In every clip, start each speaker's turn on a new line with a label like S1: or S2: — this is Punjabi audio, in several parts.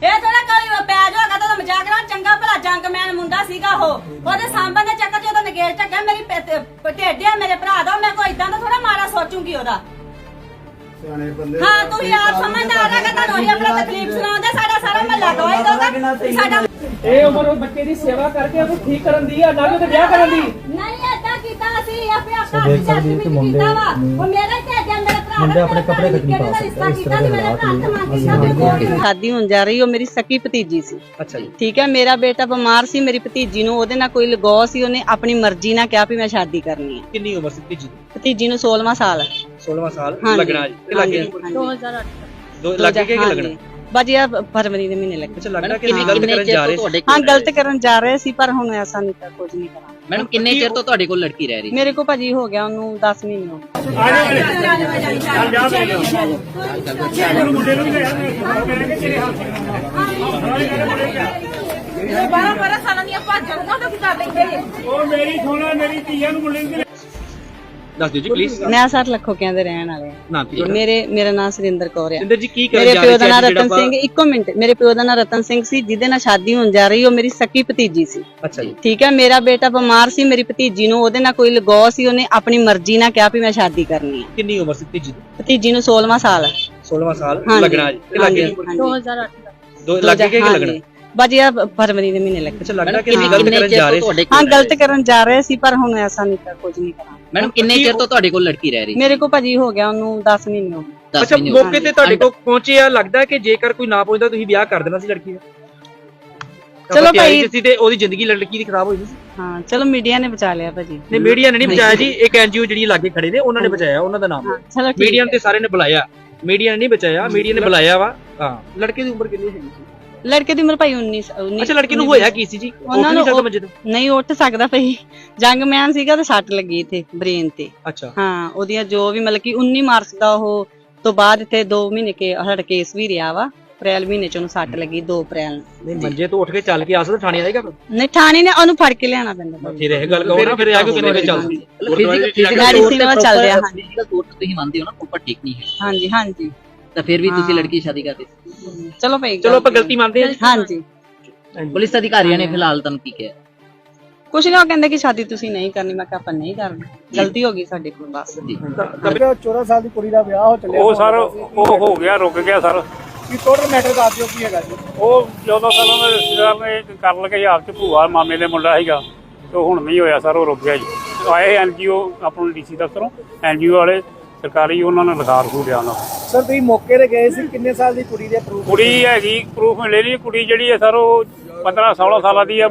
S1: ਇਹ ਥੋੜਾ ਕੋਈ ਪੈਜ ਹੋਗਾ ਤਾਂ ਮਜ਼ਾਕ ਨਾਲ ਚੰਗਾ ਭਲਾ ਜੰਗਮੈਨ ਮੁੰਡਾ ਸੀਗਾ ਉਹਦੇ ਸਾਂਭਣ ਦੇ ਚੱਕਰ 'ਚ ਉਹਦਾ ਨਗੇੜ ਚੱਕਿਆ ਮੇਰੀ ਢੇਡਿਆ ਮੇਰੇ ਭਰਾ ਦਾ ਮੈਂ ਕੋਈ ਇਦਾਂ ਦਾ ਥੋੜਾ ਮਾੜਾ ਸੋਚੂਗੀ ਉਹਦਾ। ਹਾਂ ਤੂੰ ਯਾਰ ਸਮਝਦਾਰ ਹੈਗਾ ਤੁਹਾਨੂੰ ਹੀ ਆਪਣਾ ਤਕਲੀਫ ਸੁਣਾਉਂਦੇ ਸਾਡਾ ਸਾਰਾ ਮਹੱਲਾ ਗਵਾਹੀ ਦਊਗਾ ਸਾਡਾ
S2: ਇਹ ਉਮਰ ਉਹ ਬੱਚੇ ਦੀ ਸੇਵਾ ਕਰਕੇ ਉਹਨੂੰ ਠੀਕ ਕਰਨ ਦੀ ਆ ਨਾ ਕਿ ਉਹਦੇ ਵਿਆਹ ਕਰਨ ਦੀ
S1: ਨਹੀਂ ਏਦਾਂ ਕੀਤਾ ਅਸੀਂ ਆਪੇ ਆਪਣਾ ਵਿਚਾਰੀ ਕੀਤਾ ਵਾ ਉਹ ਮੇਰਾ ਢੇਡਿਆ ਮੇਰੇ ਭਰਾ
S3: ਮੁੰਡੇ ਆਪਣੇ ਕੱਪੜੇ ਤੱਕ ਨਹੀਂ ਪਾ ਸਕਦੇ ਇਸ ਤਰ੍ਹਾਂ ਦੇ ਹਾਲਾਤ ਲਈ
S4: शादी होने जा रही, वो मेरी सकी भतीजी सी।
S2: अच्छा जी।
S4: ठीक है, मेरा बेटा बीमार सी, मेरी भतीजी नु ओदे नाल कोई लगाव सी, ओने अपनी मर्जी नाल कहा भी मैं शादी करनी है।
S2: कितनी उम्र सी भतीजी
S4: भतीजी नु 16वां साल है।
S2: 16वां साल
S4: हाँ
S2: लगना जी ते लगे
S4: 2008
S2: लगे के लगना
S4: बाजी आ फरवरी दे महीने लगे।
S2: अच्छा लगना कि गलत करन जा रहे
S4: हां गलत करन जा रहे सी पर हुन ऐसा नहीं कर कुछ नहीं करा।
S5: मैडम किन्ने चिर तो ਤੁਹਾਡੇ ਕੋਲ ਲੜਕੀ ਰਹਿ ਰਹੀ?
S4: मेरे को भाजी हो गया ओनू 10 महीने हो
S1: ਗਏ 12 ਸਾਲਾਂ ਦੀਆਂ ਭਾਜਾਂ ਨੂੰ ਕੀ ਕਰ ਲੈਂਦੇ
S2: ਉਹ ਮੇਰੀ ਸੋਨਾ ਮੇਰੀ ਧੀਆਂ ਨੂੰ ਬੁਲਾਉਂਦੇ ਦੱਸ ਦਿਓ ਜੀ ਪਲੀਜ਼।
S4: नया सर लखोकियां दे रहन वाले
S2: ਨਾ ਕੀ
S4: मेरा नाम सुरिंदर कौर है।
S2: ਸਿੰਦਰ ਜੀ ਕੀ ਕਰਨ
S4: मेरे
S2: ਜਾ
S4: प्यो
S2: ਰਹੇ
S4: दा नाम
S2: ਸੀ
S4: रतन सिंह, इको मिनट, मेरे प्यो दा नाम रतन सिंह सी जिदे नाल शादी होने जा रही, वो मेरी सकी भतीजी सी।
S2: अच्छा जी।
S4: ठीक है, मेरा बेटा बीमार सी, मेरी भतीजी नु ओदे नाल कोई लगाव सी, ओने अपनी मर्जी नाल कहा भी मैं शादी करनी है।
S2: कितनी उम्र सी भतीजी ਦੀ?
S4: भतीजी नु 16वां साल है।
S2: 16वां साल
S4: हाँ
S2: लगना जी ते लगे
S4: 2008
S2: लगे के लगना
S4: बाजी आ फरवरी दे महीने लगे।
S2: अच्छा लगना कि गलत करन जा रहे ਸੀ
S4: हां गलत करन जा रहे सी पर हुन ऐसा नहीं कर कुछ नहीं करा।
S5: मैडम किन्ने चिर तो ਤੁਹਾਡੇ ਕੋਲ ਲੜਕੀ ਰਹਿ ਰਹੀ?
S4: मेरे को भाजी हो गया ओनू 10 महीने हो गए।
S2: ਅੱਛਾ ਮੌਕੇ ਤੇ ਤੁਹਾਡੇ ਕੋਲ ਪਹੁੰਚੇ ਆ ਲੱਗਦਾ ਕਿ ਜੇਕਰ ਕੋਈ ਨਾ ਪਹੁੰਚਦਾ ਤੁਸੀਂ ਵਿਆਹ ਕਰ ਦੇਣਾ ਸੀ ਲੜਕੀ ਦਾ।
S4: ਚਲੋ ਭਾਈ
S2: ਜਿਸੀ ਤੇ ਉਹਦੀ ਜ਼ਿੰਦਗੀ ਲੜਕੀ ਦੀ ਖਰਾਬ ਹੋਈ ਸੀ।
S4: हां चलो मीडिया ने बचा लिया भाजी।
S2: ਨਹੀਂ ਮੀਡੀਆ ਨੇ ਨਹੀਂ ਬਚਾਇਆ ਜੀ, ਇੱਕ ਐਨਜੀਓ ਜਿਹੜੀ ਲਾਗੇ ਖੜੇ ਨੇ ਉਹਨਾਂ ਨੇ ਬਚਾਇਆ, ਉਹਨਾਂ ਦਾ ਨਾਮ
S4: चलो ठीक
S2: ਮੀਡੀਆ ਨੇ ਸਾਰੇ ਨੇ ਬੁਲਾਇਆ, ਮੀਡੀਆ ਨੇ ਨਹੀਂ ਬਚਾਇਆ, ਮੀਡੀਆ ਨੇ ਬੁਲਾਇਆ ਵਾ। ਹਾਂ ਲੜਕੇ ਦੀ ਉਮਰ ਕਿੰਨੀ ਹੈਗੀ ਸੀ?
S4: लड़के दी उम्र भाई 19।
S2: ਅੱਛਾ ਲੜਕੀ ਨੂੰ ਹੋਇਆ ਕੀ ਸੀ ਜੀ?
S4: ਉਹਨਾਂ
S2: ਉਹ
S4: ਨੂੰ
S2: ਨਹੀਂ ਸਮਝਦੇ।
S4: ਨਹੀਂ ਉੱਠ ਸਕਦਾ ਭਈ ਜੰਗਮੈਨ ਸੀਗਾ ਤੇ ਸੱਟ ਲੱਗੀ ਇੱਥੇ ਬ੍ਰੇਨ ਤੇ।
S2: ਅੱਛਾ
S4: ਹਾਂ ਉਹਦੀਆਂ ਜੋ ਵੀ ਮਤਲਬ ਕਿ 19 ਮਾਰਚ ਦਾ ਉਹ ਤੋਂ ਬਾਅਦ ਇੱਥੇ 2 ਮਹੀਨੇ ਕੇ ਹੜ ਕੇਸ ਵੀ ਰਿਹਾ ਵਾ। ਅਪ੍ਰੈਲ ਮਹੀਨੇ ਚ ਉਹਨੂੰ ਸੱਟ ਲੱਗੀ 2 ਅਪ੍ਰੈਲ ਨੂੰ।
S2: ਨਹੀਂ ਮੰਜੇ ਤੋਂ ਉੱਠ ਕੇ ਚੱਲ ਕੇ ਆ ਸਕਦਾ ਥਾਣੇ ਆਏਗਾ
S4: ਨਹੀਂ ਥਾਣੇ ਨੇ ਉਹਨੂੰ ਫੜ ਕੇ ਲਿਆਣਾ ਪੈਂਦਾ।
S2: ਫਿਰ ਇਹ ਗੱਲ ਕਹੋ ਨਾ, ਫਿਰ ਆ ਕੇ ਕਿੰਨੇ ਵਿੱਚ ਚੱਲਦੀ
S4: ਮੈਡੀਸਿਨ ਵਾ ਚੱਲ ਰਿਹਾ। ਹਾਂਜੀ
S5: ਫਿਜ਼ੀਕਲ ਤੌਰ ਤੇ ਤੁਸੀਂ ਮੰਨਦੇ ਹੋ ਨਾ ਪ੍ਰੋਪਰ ਠੀਕ ਨਹੀਂ ਹੈ
S4: ਹਾਂਜੀ ਹਾਂਜੀ
S5: ਤਾਂ ਫਿਰ ਵੀ ਤੁਸੀਂ ਲੜਕੀ ਸ਼ਾਦੀ ਕਰਦੇ?
S4: ਚਲੋ ਭਾਈ
S2: ਚਲੋ ਆਪਾਂ ਗਲਤੀ ਮੰਨਦੇ ਹਾਂ।
S4: ਹਾਂਜੀ
S5: ਪੁਲਿਸ ਅਧਿਕਾਰੀਆਂ ਨੇ ਫਿਲਹਾਲ ਤੁਹਾਨੂੰ ਕੀ ਕਿਹਾ?
S4: ਕੁਛ ਨਾ, ਉਹ ਕਹਿੰਦੇ ਕਿ ਸ਼ਾਦੀ ਤੁਸੀਂ ਨਹੀਂ ਕਰਨੀ। ਮੈਂ ਕਿਹਾ ਆਪਾਂ ਨਹੀਂ ਕਰਨੀ, ਗਲਤੀ ਹੋ ਗਈ ਸਾਡੇ ਕੋਲ ਬਸ।
S3: 14 ਸਾਲ ਦੀ ਕੁੜੀ ਦਾ ਵਿਆਹ ਹੋ ਚੱਲਿਆ।
S6: ਉਹ ਸਰ ਉਹ ਹੋ ਗਿਆ, ਰੁਕ ਗਿਆ ਸਰ।
S3: ਕੀ ਟੋਟਲ ਮੈਟਰ ਦੱਸ ਦਿਓ ਕੀ ਹੈਗਾ ਜੀ?
S6: ਉਹ 14 ਸਾਲਾਂ ਦਾ ਰਿਸ਼ਤੇਦਾਰ ਨੇ ਕਰ ਲਗੇ ਆਪ ਚ ਭੂਆ ਮਾਮੇ ਦੇ ਮੁੰਡਾ ਸੀਗਾ ਤੇ ਹੁਣ ਨਹੀਂ ਹੋਇਆ ਸਰ, ਉਹ ਰੁਕ ਗਿਆ ਜੀ। ਆਏ ਐਨਜੀਓ ਆਪਣਾ ਡੀਸੀ ਦਫ਼ਤਰੋਂ ਐਨਜੀਓ ਵਾਲੇ ਸਰਕਾਰੀ, ਉਹਨਾਂ ਨੇ ਲਿਖਾ ਰਖੂ ਲਿਆ ਉਹਨਾਂ
S3: ਸਰ ਤੁਸੀਂ ਮੌਕੇ ਤੇ ਗਏ ਸੀ, ਕਿੰਨੇ ਸਾਲ ਦੀ ਕੁੜੀ ਦੇ ਪ੍ਰੂਫ?
S6: ਕੁੜੀ ਹੈਗੀ ਪ੍ਰੂਫ ਮਿਲੇ ਨਹੀਂ। ਕੁੜੀ ਜਿਹੜੀ ਹੈ ਸਰ ਉਹ 15-16 ਸਾਲਾਂ ਦੀ ਹੈ।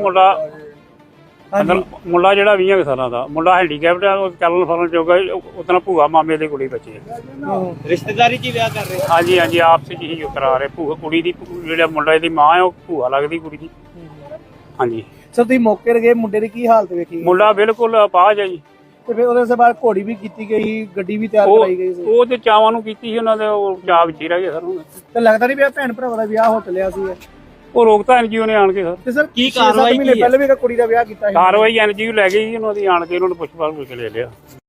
S6: ਮੁੰਡਾ ਜਿਹੜਾ 20 ਸਾਲਾਂ ਦਾ ਮੁੰਡਾ ਹੈਂਡੀਕੈਪਟ ਹੈ, ਉਹ ਚੱਲਣ ਫਿਰਨ ਜੋਗਾ। ਉਤਨਾ ਭੂਆ ਮਾਮੇ ਦੀ ਕੁੜੀ ਬੱਚੇ
S2: ਰਿਸ਼ਤੇਦਾਰੀ ਚ ਵਿਆਹ ਕਰ ਰਹੇ।
S6: ਹਾਂਜੀ ਹਾਂਜੀ ਆਪਸ ਚ ਹੀ ਕਰਾ ਰਹੇ। ਭੂਆ ਕੁੜੀ ਦੀ ਜਿਹੜਾ ਮੁੰਡਾ ਦੀ ਮਾਂ ਹੈ ਉਹ ਭੂਆ ਲੱਗਦੀ ਕੁੜੀ ਦੀ। ਹਾਂਜੀ
S3: ਸਰ ਤੁਸੀਂ ਮੌਕੇ ਤੇ ਗਏ, ਮੁੰਡੇ ਦੀ ਕੀ ਹਾਲਤ ਵੇਖੀ?
S6: ਮੁੰਡਾ ਬਿਲਕੁਲ ਅਪਾਹਜ ਹੈ ਜੀ।
S3: ਤੇ ਫਿਰ ਉਹਦੇ ਬਾਅਦ ਘੋੜੀ ਵੀ ਕੀਤੀ ਗਈ, ਗੱਡੀ ਵੀ ਤਿਆਰ ਕਰਾਈ ਗਈ ਸੀ।
S6: ਉਹ ਤੇ ਚਾਵਾਂ ਨੂੰ ਕੀਤੀ ਸੀ ਉਹਨਾਂ ਦੇ, ਉਹ ਚਾਅ ਵਿੱਚ ਹੀ ਰਹਿ ਗਏ ਸਰ।
S3: ਤੇ ਲੱਗਦਾ ਨਹੀਂ ਪਿਆ ਭੈਣ ਭਰਾਵਾਂ ਦਾ ਵਿਆਹ ਹੋ ਚੱਲਿਆ ਸੀ।
S6: ਉਹ ਰੋਕਤਾ ਐਨਜੀਓ ਨੇ ਆਣ ਕੇ ਸਰ।
S3: ਤੇ ਸਰ
S2: ਕੀ ਕਾਰਵਾਈ
S3: ਮਹੀਨੇ ਪਹਿਲੇ ਵੀ ਇੱਕ ਕੁੜੀ ਦਾ ਵਿਆਹ ਕੀਤਾ ਸੀ।
S6: ਕਾਰਵਾਈ ਐਨਜੀਓ ਲੈ ਗਈ ਸੀ ਉਹਨਾਂ ਦੀ, ਆਣ ਕੇ ਉਹਨਾਂ ਨੂੰ ਪੁੱਛ ਪਾਛ ਕੇ ਲੈ ਲਿਆ।